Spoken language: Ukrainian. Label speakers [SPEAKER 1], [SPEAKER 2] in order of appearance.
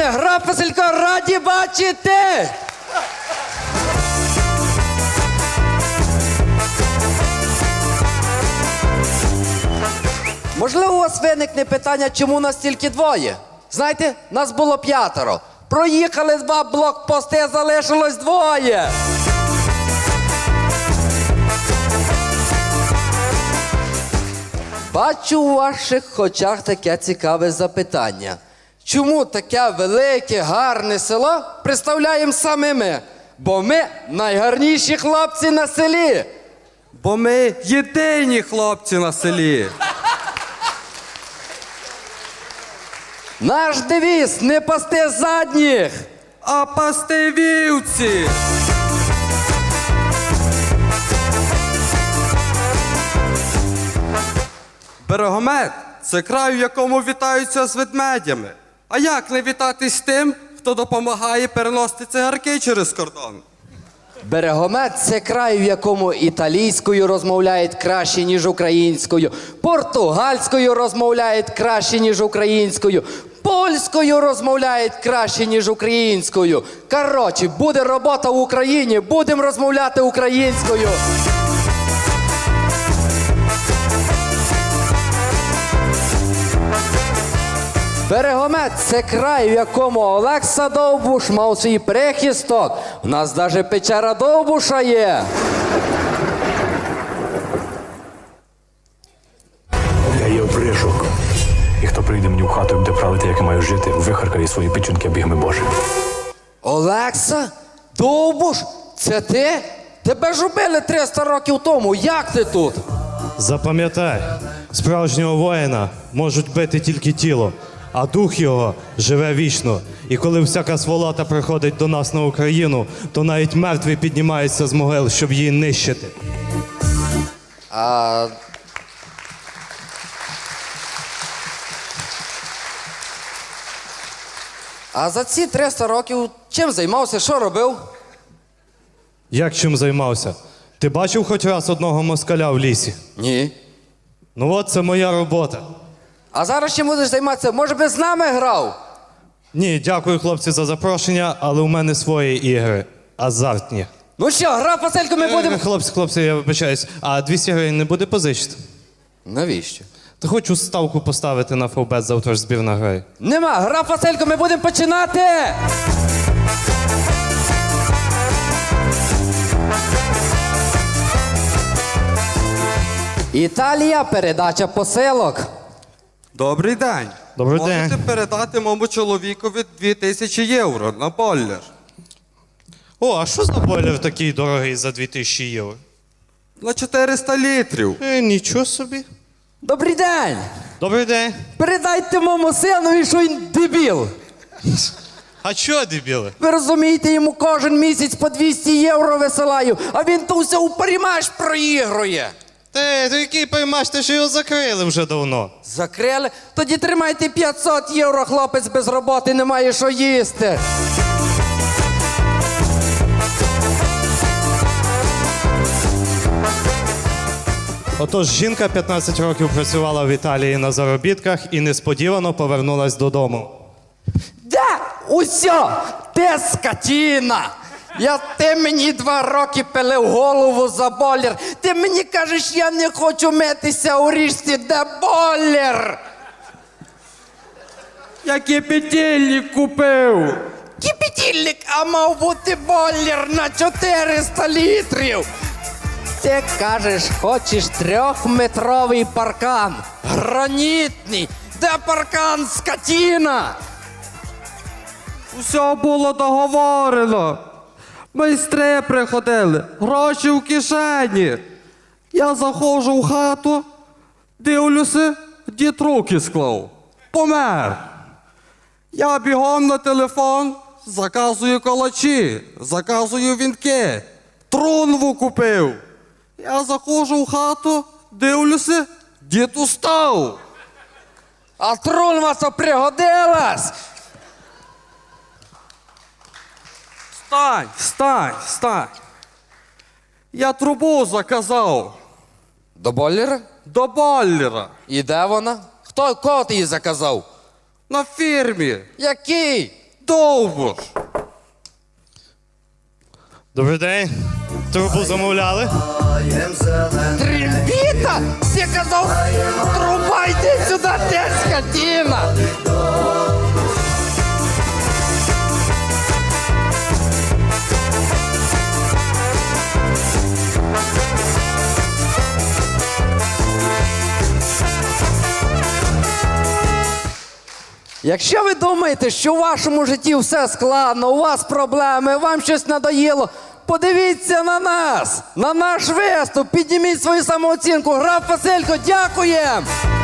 [SPEAKER 1] Гра Василько, раді бачити! Можливо, у вас виникне питання, чому нас тільки двоє? Знаєте, нас було 5. Проїхали 2 блокпости, залишилось 2. Бачу у ваших очах таке цікаве запитання. Чому таке велике, гарне село представляємо саме ми? Бо ми найгарніші хлопці на селі.
[SPEAKER 2] Бо ми єдині хлопці на селі.
[SPEAKER 1] Наш девіз – не пасти задніх.
[SPEAKER 2] А пасти вівці. Берегомет – це край, в якому вітаються з ведмедями. А як не вітатись з тим, хто допомагає переносити цигарки через кордон?
[SPEAKER 1] Берегомет – це край, в якому італійською розмовляють краще, ніж українською, португальською розмовляють краще, ніж українською, польською розмовляють краще, ніж українською. Коротше, буде робота в Україні, будемо розмовляти українською. Берегомет – це край, в якому Олекса Довбуш мав свій прихисток. У нас навіть печера Довбуша є.
[SPEAKER 3] Я є опришок. І хто прийде мені в хату і буде правити, як я маю жити, вихаркає свої печінки бігми Божі.
[SPEAKER 1] Олекса? Довбуш? Це ти? Тебе ж убили 300 років тому. Як ти тут?
[SPEAKER 4] Запам'ятай, справжнього воїна можуть бити тільки тіло, а дух його живе вічно. І коли всяка сволота приходить до нас на Україну, то навіть мертві піднімаються з могил, щоб її нищити.
[SPEAKER 1] А за ці 300 років чим займався, що робив?
[SPEAKER 4] Як чим займався? Ти бачив хоч раз одного москаля в лісі?
[SPEAKER 1] Ні.
[SPEAKER 4] Ну от це моя робота.
[SPEAKER 1] А зараз чим будеш займатися? Може би з нами грав?
[SPEAKER 4] Ні, дякую, хлопці, за запрошення, але у мене свої ігри. Азартні.
[SPEAKER 1] Ну що, гра Василько, ми будемо...
[SPEAKER 4] Хлопці, я вибачаюсь, а 200 гривень не буде позичити?
[SPEAKER 1] Навіщо?
[SPEAKER 4] Та хочу ставку поставити на фавбет, завтра ж збірна грає.
[SPEAKER 1] Нема, гра Василько, ми будемо починати! Італія, передача посилок.
[SPEAKER 2] Добрий день.
[SPEAKER 4] Добрий
[SPEAKER 2] Можете
[SPEAKER 4] день.
[SPEAKER 2] передати моєму чоловікові 2000 євро на бойлер?
[SPEAKER 4] О, а що за бойлер такий дорогий за 2000 євро?
[SPEAKER 2] На 400 літрів.
[SPEAKER 4] Нічого собі.
[SPEAKER 1] Добрий день!
[SPEAKER 4] Добрий день.
[SPEAKER 1] Передайте моєму синові, що він дебіл.
[SPEAKER 4] А чого, дебіли?
[SPEAKER 1] Ви розумієте, йому кожен місяць по 200 євро висилаю, а він то все у парімаш проігрує.
[SPEAKER 4] Ти який поймаш, ти ж його закрили вже давно.
[SPEAKER 1] Закрили? Тоді тримайте 500 євро, хлопець без роботи, не має що їсти.
[SPEAKER 4] Отож, жінка 15 років працювала в Італії на заробітках і несподівано повернулась додому.
[SPEAKER 1] Да, усьо, ти скотіна. Ти мені 2 роки пилив голову за бойлер. Ти мені кажеш, я не хочу митися у річці, де бойлер.
[SPEAKER 2] Я кипятильник купив.
[SPEAKER 1] Кипятильник, а мав бути бойлер на 400 літрів. Ти кажеш, хочеш 3-метровий паркан. Гранітний. Де паркан, скотіна?
[SPEAKER 2] Все було договорено. Майстри приходили, гроші в кишені. Я заходжу в хату, дивлюся, дід руки склав. Помер. Я бігом на телефон, заказую калачі, заказую вінки. Трунву купив. Я заходжу в хату, дивлюся, дід устав.
[SPEAKER 1] А трунва то пригодилась.
[SPEAKER 2] Стань. Я трубу заказав.
[SPEAKER 1] До бойлера?
[SPEAKER 2] До бойлера.
[SPEAKER 1] І де вона? Кого ти її заказав?
[SPEAKER 2] На фірмі.
[SPEAKER 1] Який?
[SPEAKER 2] Довбуш!
[SPEAKER 4] Добрий день. Трубу замовляли?
[SPEAKER 1] Трембіта? Ти казав, труба, йди сюди, ти скотина! Якщо ви думаєте, що в вашому житті все складно, у вас проблеми, вам щось надоїло, подивіться на нас, на наш виступ, підніміть свою самооцінку. Граф Василько, дякуємо!